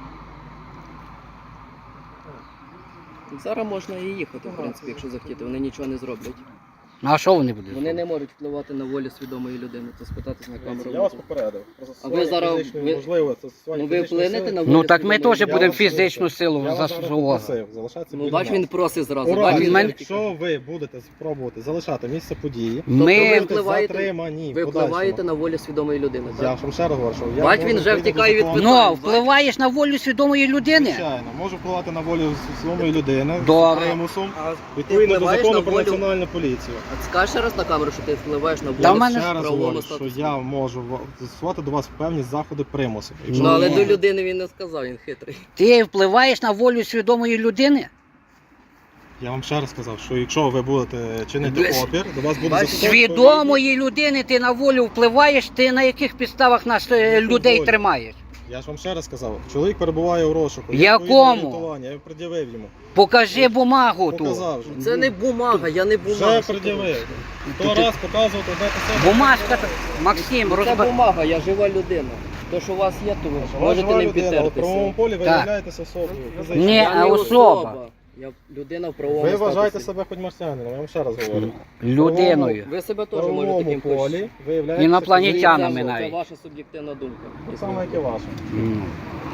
Speaker 3: Зараз можна і їхати, в принципі, якщо захотіти. Вони нічого не зроблять.
Speaker 2: Ну а що вони будуть?
Speaker 3: Вони не можуть впливати на волю свідомої людини, то спитатись на камеру.
Speaker 4: Я вас попередив. Про
Speaker 3: ви зараз-
Speaker 4: фізичної,
Speaker 3: ви-
Speaker 4: можливо, це застосування
Speaker 3: Ну ви
Speaker 4: фізичної
Speaker 3: вплинете
Speaker 4: сили.
Speaker 3: на волю
Speaker 2: Ну так ми
Speaker 3: свідомої
Speaker 2: теж
Speaker 3: людини?
Speaker 2: будемо
Speaker 4: вас
Speaker 2: фізичну
Speaker 4: прошу.
Speaker 2: силу
Speaker 4: Я вас зараз
Speaker 2: застосовувати.
Speaker 4: попросив залишатися
Speaker 3: Ну
Speaker 4: біля
Speaker 3: бач,
Speaker 4: нас.
Speaker 3: він просить зразу.
Speaker 4: У
Speaker 3: Бач,
Speaker 4: разі,
Speaker 3: він
Speaker 2: мене-
Speaker 4: якщо ви будете спробувати залишати місце події,
Speaker 3: Тобто
Speaker 2: Ми
Speaker 3: ви
Speaker 4: будете
Speaker 3: впливаєте-
Speaker 4: затримані.
Speaker 3: ви
Speaker 4: в подальшому.
Speaker 3: впливаєте на волю свідомої людини,
Speaker 4: Я
Speaker 3: так?
Speaker 4: ж вам ще раз говорю, що я
Speaker 3: Бач,
Speaker 4: можу
Speaker 3: він вже
Speaker 4: відповідно
Speaker 3: втікає
Speaker 4: до
Speaker 3: від
Speaker 4: закону.
Speaker 2: Ну, впливаєш на волю свідомої людини.
Speaker 4: Звичайно, можу впливати на волю свідомої людини
Speaker 2: Добре.
Speaker 4: з примусом,
Speaker 3: А
Speaker 4: відповідно до
Speaker 3: впливаєш
Speaker 4: закону
Speaker 3: на
Speaker 4: про
Speaker 3: волю-
Speaker 4: національну поліцію.
Speaker 3: А скажеш ще раз на камеру, що ти впливаєш на волю
Speaker 2: Та в мене-
Speaker 4: Ще раз
Speaker 3: правовому
Speaker 4: говорю, що
Speaker 3: статусі.
Speaker 4: я можу застосувати до вас певні заходи примусу.
Speaker 3: Ну але
Speaker 2: Ні.
Speaker 3: до людини він не сказав, він хитрий.
Speaker 2: Ти впливаєш на волю свідомої людини?
Speaker 4: Я вам ще раз сказав, що якщо ви будете чинити
Speaker 2: Без-
Speaker 4: опір, до вас буде
Speaker 3: Бачиш,
Speaker 4: застосовано
Speaker 2: Свідомої людини ти на волю впливаєш, ти на яких підставах нас людей
Speaker 4: волі.
Speaker 2: тримаєш?
Speaker 4: Я ж вам ще раз сказав, чоловік перебуває у розшуку.
Speaker 2: Якому?
Speaker 4: Відповідне орієнтування, я пред'явив йому.
Speaker 2: Покажи бумагу ту.
Speaker 4: Показав вже.
Speaker 3: Це не бумага, я не бумага.
Speaker 4: Вже пред'явив. То раз показувати, де писати.
Speaker 2: Бумажка, Максим,
Speaker 3: Це
Speaker 2: розбер...
Speaker 3: бумага, я жива людина. То, що у вас є, то ви
Speaker 4: Ви
Speaker 3: можете
Speaker 4: жива
Speaker 3: не
Speaker 4: людина, в правовому
Speaker 3: підтертися.
Speaker 4: полі ви
Speaker 2: Так.
Speaker 4: являєтеся особою. фізичною.
Speaker 2: Ні,
Speaker 3: Я
Speaker 2: а
Speaker 3: не
Speaker 2: особа.
Speaker 3: Я людина в правовому
Speaker 4: Ви вважаєте
Speaker 3: статусі.
Speaker 4: себе хоч марсіанином, я вам ще раз говорю.
Speaker 2: Людиною.
Speaker 3: Ви себе
Speaker 4: В
Speaker 3: теж можете
Speaker 4: правовому
Speaker 3: таким
Speaker 4: полі ви являєтеся
Speaker 2: Інопланетянами
Speaker 3: Це
Speaker 2: навіть.
Speaker 3: ваша суб'єктивна думка.
Speaker 4: Так само, як і ваша.
Speaker 2: М.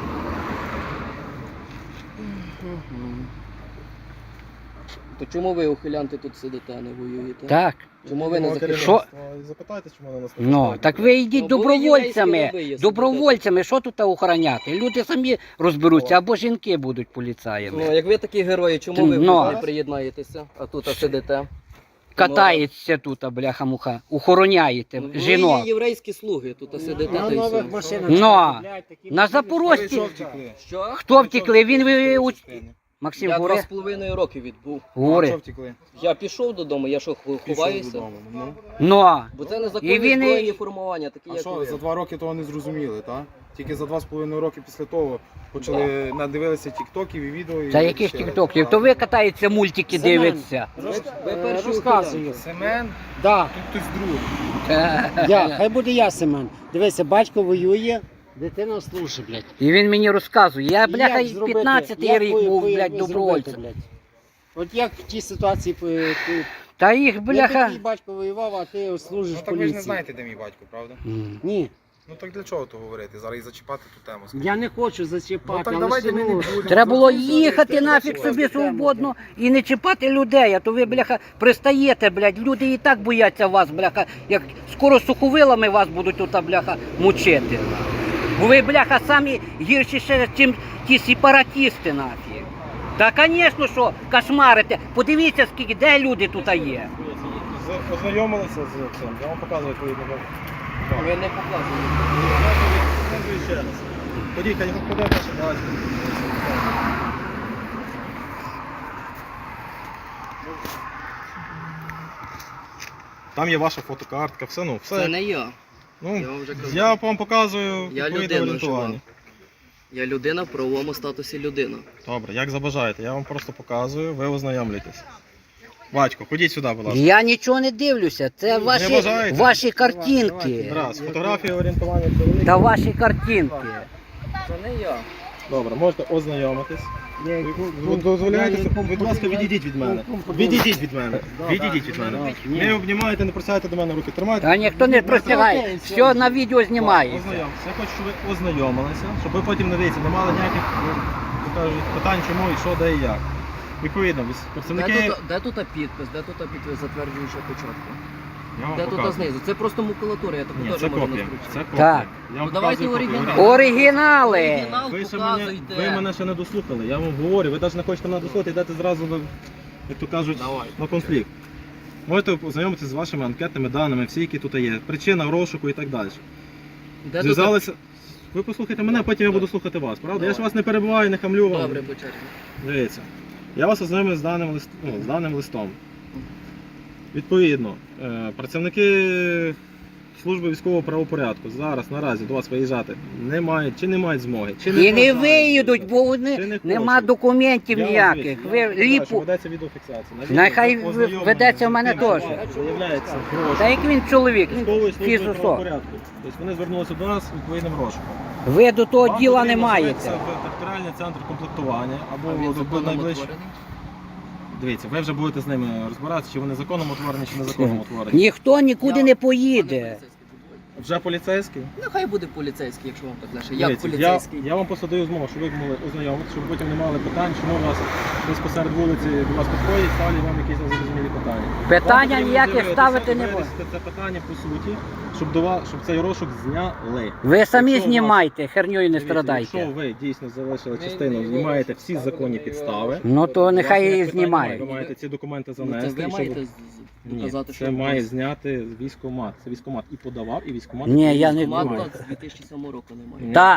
Speaker 3: То чому ви, ухилянти, тут сидите, а не воюєте?
Speaker 2: Так.
Speaker 3: Чому ви не захищаєте?
Speaker 2: Що?
Speaker 4: Запитайте, чому вони нас не
Speaker 2: Ну,
Speaker 4: пускають.
Speaker 2: так ви йдіть
Speaker 3: Ну, були єврейські
Speaker 2: добровольцями.
Speaker 3: раби, є
Speaker 2: Добровольцями, що тут охороняти? Люди самі розберуться, або жінки будуть поліцаями.
Speaker 3: Ну, як ви такі герої, чому ви
Speaker 2: Ну.
Speaker 3: не приєднаєтеся, а тут сидите?
Speaker 2: Катається тут, бляха-муха, охороняєте
Speaker 3: Ну, ви
Speaker 2: жінок.
Speaker 3: є єврейські слуги, тут сидите.
Speaker 1: На
Speaker 3: та й
Speaker 1: нових
Speaker 3: все.
Speaker 1: машинах.
Speaker 2: Ну,
Speaker 1: купляють такі
Speaker 2: на
Speaker 1: машини,
Speaker 2: Запорожці.
Speaker 1: що
Speaker 6: втекли?
Speaker 3: Що?
Speaker 2: Хто втекли? Він Максим,
Speaker 3: Я
Speaker 2: говори.
Speaker 3: 2,5 роки відбув.
Speaker 2: Говори.
Speaker 6: втекли?
Speaker 3: Я пішов додому, я що, ховаюся?
Speaker 2: Ну,
Speaker 3: Бо це
Speaker 2: І
Speaker 3: незаконні
Speaker 2: він і-
Speaker 3: збройні формування, такі
Speaker 6: А
Speaker 3: як
Speaker 6: що,
Speaker 3: ви.
Speaker 6: за 2 роки того не зрозуміли, так? Тільки за 2,5 роки після того почали надивилися тіктоків і відео. І
Speaker 2: та яких
Speaker 6: вирішили.
Speaker 2: тіктоків? То ви катаєте мультики,
Speaker 1: Семен.
Speaker 2: дивиться.
Speaker 3: Ви перші
Speaker 1: розказую.
Speaker 6: Семен,
Speaker 1: Да,
Speaker 6: тут хтось другий.
Speaker 1: я, хай буде я, Семен. Дивися, батько воює, дитина служить, блядь.
Speaker 2: І він мені розказує. Я,
Speaker 1: І
Speaker 2: бляха,
Speaker 1: як зробити?
Speaker 2: 15-й
Speaker 1: Як
Speaker 2: рік
Speaker 1: ви-
Speaker 2: був,
Speaker 1: ви-
Speaker 2: блядь,
Speaker 1: ви
Speaker 2: добровольцем.
Speaker 1: зробите, блядь? От як в тій ситуації
Speaker 2: Та їх,
Speaker 1: я
Speaker 2: бляха.
Speaker 1: твій батько воював, а ти служиш
Speaker 6: Ну
Speaker 1: в
Speaker 6: так ви ж не
Speaker 1: поліції.
Speaker 6: знаєте, де мій батько, правда?
Speaker 2: М.
Speaker 1: Ні,
Speaker 6: Ну так для чого то говорити? Зараз і зачіпати ту тему.
Speaker 1: я не хочу зачіпати,
Speaker 6: Ну так
Speaker 1: але
Speaker 6: давайте ми не
Speaker 1: ну,
Speaker 6: будемо.
Speaker 2: Треба було
Speaker 6: Це
Speaker 2: їхати
Speaker 6: все
Speaker 2: нафіг
Speaker 6: таке.
Speaker 2: собі свободно і не чіпати людей, а то ви, бляха, пристаєте, блядь. Люди і так бояться вас, бляха, як скоро суховилами вас будуть тут, бляха, мучити. Бо ви, бляха, самі гірші ще, чим ті сепаратісти, нафіг. Та, звісно, що кошмарите. Подивіться, скільки, де люди тут є.
Speaker 4: Ознайомилися з цим, я вам показую відповідно.
Speaker 3: Ви не показуєте.
Speaker 4: Показую ще раз. Ходіть, хай ходить ваше бачите. Там є ваша фотокартка, все, ну, все.
Speaker 3: Це не я.
Speaker 4: Ну,
Speaker 3: Я вам вже казав.
Speaker 4: я вам показую
Speaker 3: Я
Speaker 4: відповідне
Speaker 3: людина
Speaker 4: орієнтування.
Speaker 3: жива. Я людина в правовому статусі людина.
Speaker 4: Добре, як забажаєте, я вам просто показую, ви ознайомлюєтесь. Батько, ходіть сюди, будь ласка.
Speaker 2: Я нічого не дивлюся, це ваші,
Speaker 4: бажаєте?
Speaker 2: ваші картинки.
Speaker 4: Раз, фотографія орієнтування чоловіка.
Speaker 2: Та ваші картинки.
Speaker 3: Це не я.
Speaker 4: Добре, можете ознайомитись.
Speaker 1: я-
Speaker 4: Ви дозволяєте,
Speaker 1: я
Speaker 4: будь ласка, відійдіть від мене. Відійдіть від мене. Відійдіть від мене. Не обнімайте, не просяйте до мене руки. Тримайте.
Speaker 2: Та ніхто не простягає, все на відео знімається.
Speaker 4: Ознайомтеся. Я хочу, щоб ви ознайомилися, щоб ви потім, дивіться, не мали ніяких кажуть, питань, чому і що, де і як. Відповідно, представники...
Speaker 3: Де тут підпис? Де тут підпис затверджуючого початку?
Speaker 4: Я вам
Speaker 3: Де тут
Speaker 4: показую.
Speaker 3: знизу? Це просто макулатура, я таку
Speaker 4: Ні,
Speaker 3: теж
Speaker 4: це
Speaker 3: можу
Speaker 4: копія.
Speaker 3: наскручити.
Speaker 4: Це копія.
Speaker 2: Так.
Speaker 4: Я вам
Speaker 3: Ну, давайте
Speaker 4: показую копію.
Speaker 3: оригінал.
Speaker 2: Оригінали.
Speaker 3: Оригінал
Speaker 4: Ви
Speaker 3: показуйте.
Speaker 4: мене ще не дослухали, я вам говорю, ви навіть не хочете мене дослухати, йдете зразу, як то кажуть,
Speaker 3: Давай.
Speaker 4: на конфлікт. Можете ознайомитися з вашими анкетними даними, всі, які тут є, причина розшуку і так далі.
Speaker 3: Де тут...
Speaker 4: Зв'язалися. Ви послухайте мене, потім я буду слухати вас, правда? Я ж вас не перебиваю, не хамлю вам.
Speaker 3: Добре, по черзі.
Speaker 4: Дивіться. Я вас ознайомив з даним листом. Відповідно, працівники служби військового правопорядку зараз наразі до вас виїжджати не мають чи не мають змоги. Чи
Speaker 2: І не
Speaker 4: бажають.
Speaker 2: виїдуть, бо
Speaker 4: Чи
Speaker 2: вони
Speaker 4: не
Speaker 2: нема
Speaker 4: хочуть.
Speaker 2: документів
Speaker 4: Я вам
Speaker 2: ніяких.
Speaker 4: звідси,
Speaker 2: Ви
Speaker 4: я вам кажу, що
Speaker 2: ліпу.
Speaker 4: ведеться відеофіксація. На відео
Speaker 2: Нехай
Speaker 4: ознайомлення
Speaker 2: ведеться в
Speaker 4: з
Speaker 2: мене
Speaker 4: тим, що
Speaker 2: теж.
Speaker 4: Виявляється гроші.
Speaker 2: Та як він чоловік,
Speaker 4: Військової
Speaker 2: він
Speaker 4: служби
Speaker 2: фізусо.
Speaker 4: правопорядку. Тобто вони звернулися до нас з відповідним розшуком.
Speaker 2: Ви до того
Speaker 4: Вам
Speaker 2: діла не
Speaker 4: потрібно
Speaker 2: маєте.
Speaker 4: звернутися в територіальний центр комплектування
Speaker 3: А
Speaker 4: або
Speaker 3: він
Speaker 4: до
Speaker 3: законом
Speaker 4: найближчого.
Speaker 3: утворений?
Speaker 4: Дивіться, ви вже будете з ними розбиратися, чи вони законом утворені, чи незаконно утворені.
Speaker 2: Ніхто нікуди не поїде.
Speaker 4: Вже поліцейський?
Speaker 3: Ну хай буде поліцейський, якщо вам так лише. Як
Speaker 4: Дивіться,
Speaker 3: поліцейський?
Speaker 4: я вам просто даю змогу, щоб ви могли ознайомитися, щоб потім не мали питань, чому у вас десь посеред вулиці до вас підходять, ставлять вам якісь незрозумілі питання.
Speaker 2: Питання
Speaker 4: Вам потрібно
Speaker 2: ніяких
Speaker 4: дивитися,
Speaker 2: ставити не буде.
Speaker 4: вирішити це питання по суті, щоб цей розшук зняли.
Speaker 2: Ви самі
Speaker 4: Якщо у вас-
Speaker 2: знімайте, херньою не
Speaker 4: Дивіться,
Speaker 2: страдайте.
Speaker 4: Якщо ви дійсно залишили частину і маєте всі законні підстави,
Speaker 2: Ну то нехай її
Speaker 4: ви
Speaker 2: знімають.
Speaker 4: маєте ці документи
Speaker 3: Ну, це
Speaker 4: занести.
Speaker 3: ви
Speaker 4: і щоб-
Speaker 3: маєте
Speaker 4: Ні,
Speaker 3: доказати, що
Speaker 4: це
Speaker 3: у
Speaker 4: має
Speaker 3: вас
Speaker 4: зняти військкомат. Це військкомат і подавав, і військкомат.
Speaker 2: Ні, я не
Speaker 3: військкомат
Speaker 2: думаю.
Speaker 3: з 2007 року немає.
Speaker 4: Ні.
Speaker 2: Так.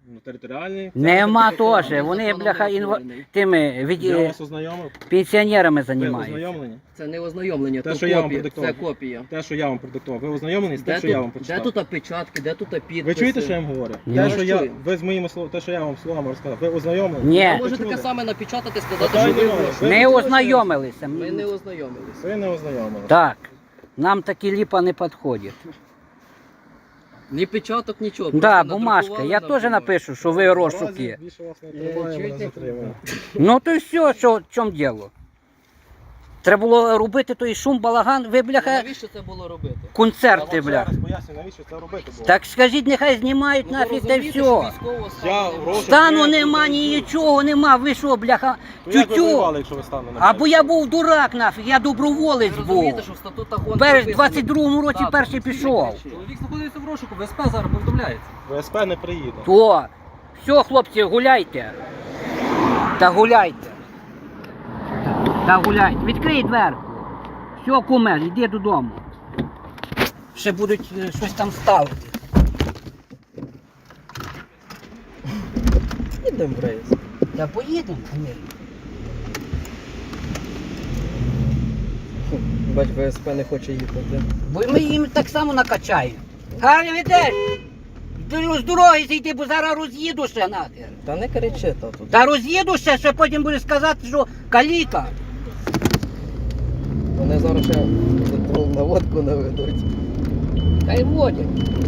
Speaker 4: Ну, територіальний.
Speaker 2: Нема
Speaker 4: центр
Speaker 2: теж.
Speaker 4: територіальний.
Speaker 2: Вони,
Speaker 3: Законом
Speaker 2: бляха,
Speaker 3: не створений.
Speaker 2: тими
Speaker 4: Я вас ознайомив.
Speaker 2: пенсіонерами
Speaker 4: Ви
Speaker 2: займаються.
Speaker 4: ознайомлені?
Speaker 3: Це не ознайомлення,
Speaker 4: Те,
Speaker 3: то
Speaker 4: що я вам
Speaker 3: копія.
Speaker 4: продиктував.
Speaker 3: Це копія.
Speaker 4: Те, що я вам продиктував. Ви ознайомлені з тим,
Speaker 3: Де
Speaker 4: що я вам
Speaker 3: тут, де
Speaker 4: почитав?
Speaker 3: тут опечатки, де тут підписи?
Speaker 4: Ви чуєте, що я вам говорю?
Speaker 2: Ну,
Speaker 4: Те,
Speaker 3: я
Speaker 4: що
Speaker 3: вас
Speaker 4: я,
Speaker 3: чую.
Speaker 4: ви з моїми словами, те, що я вам словами розказав, ви ознайомлені?
Speaker 2: Ні.
Speaker 3: Ви
Speaker 2: Ви
Speaker 3: можете
Speaker 4: чули?
Speaker 3: таке саме напечатати, сказати,
Speaker 4: Питання
Speaker 3: що ви
Speaker 4: немає.
Speaker 3: гроші.
Speaker 4: Ви
Speaker 2: Не
Speaker 4: чули, що
Speaker 2: ознайомилися.
Speaker 3: Ми не ознайомилися.
Speaker 4: Ви не ознайомилися.
Speaker 2: Так. Нам такі ліпа не підходять.
Speaker 3: Ні печаток, нічого.
Speaker 2: Да,
Speaker 3: просто
Speaker 2: бумажка.
Speaker 3: надрукували
Speaker 2: Я
Speaker 3: на
Speaker 2: теж
Speaker 3: бумажці.
Speaker 2: напишу, що ви розшуки.
Speaker 4: Наразі більше вас не тримає, мене
Speaker 1: чуєте?
Speaker 4: затримує.
Speaker 2: Ну то й все, що в чому діло? Треба було робити той шум, балаган, ви, бляха,
Speaker 3: Навіщо це було робити?
Speaker 4: Я
Speaker 2: концерти,
Speaker 4: вам ще
Speaker 2: бля.
Speaker 4: раз поясню, навіщо це робити було.
Speaker 2: Так скажіть, нехай знімають
Speaker 3: Ну, ви
Speaker 2: нафіг та й
Speaker 3: розумієте,
Speaker 2: все.
Speaker 3: що військового стану
Speaker 4: Я
Speaker 3: немає?
Speaker 4: гроші-
Speaker 2: Стану
Speaker 4: Ні,
Speaker 2: нема,
Speaker 4: тут не
Speaker 2: нічого нема, ви що, бляха,
Speaker 4: То як ви
Speaker 2: тютю.
Speaker 4: воювали, якщо ви стану не
Speaker 2: Або я був дурак нафіг, я доброволець
Speaker 3: Ви
Speaker 2: був.
Speaker 3: розумієте, що в статутах ООН
Speaker 2: Перш в
Speaker 3: прописано-
Speaker 2: 22-му році
Speaker 3: Так,
Speaker 2: перший пішов.
Speaker 7: Чоловік знаходиться в розшуку, ВСП зараз повідомляється.
Speaker 4: ВСП не приїде.
Speaker 2: То, все, хлопці, гуляйте. Та гуляйте. Та гуляйте. Відкрий дверку. Все, куме, йди додому. Ще будуть щось там ставити.
Speaker 3: Їдемо в рейс.
Speaker 2: Та поїдемо, звісно.
Speaker 3: Бач, ВСП не хоче їхати.
Speaker 2: Бо ми їм так само накачаємо. Гарно йдеш. З дороги зійди, бо зараз роз'їду ще нахер.
Speaker 3: Та не кричи, тату.
Speaker 2: Та роз'їду ще потім буде сказати, що каліка.
Speaker 3: Вони зараз ще на водку наведуть.
Speaker 2: Та й водять.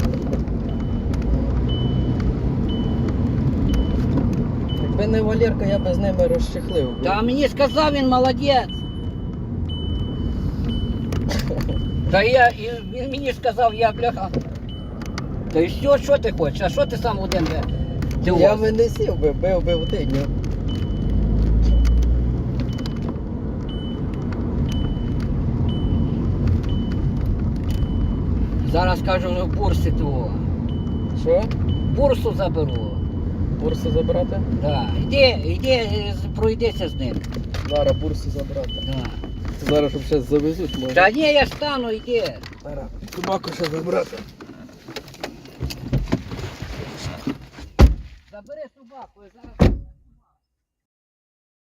Speaker 3: Якби не Валерка, я би з ними розчехлив.
Speaker 2: Та мені сказав він молодець. Та він мені сказав, я бляха. Та й все, що ти хочеш? А що ти сам один?
Speaker 3: Я би не сів би, бив би в тиню.
Speaker 2: Зараз кажу, бурси того.
Speaker 3: Що?
Speaker 2: Бурсу заберу.
Speaker 3: Бурсу забрати?
Speaker 2: Да. Іди, пройдися з ним.
Speaker 3: Зараз бурсу забрати.
Speaker 2: Да.
Speaker 3: Зараз щоб ще завезуть, може.
Speaker 2: Та ні, я стану, йди.
Speaker 3: Зараз собаку ще забрати.
Speaker 2: Забери собаку, я зараз.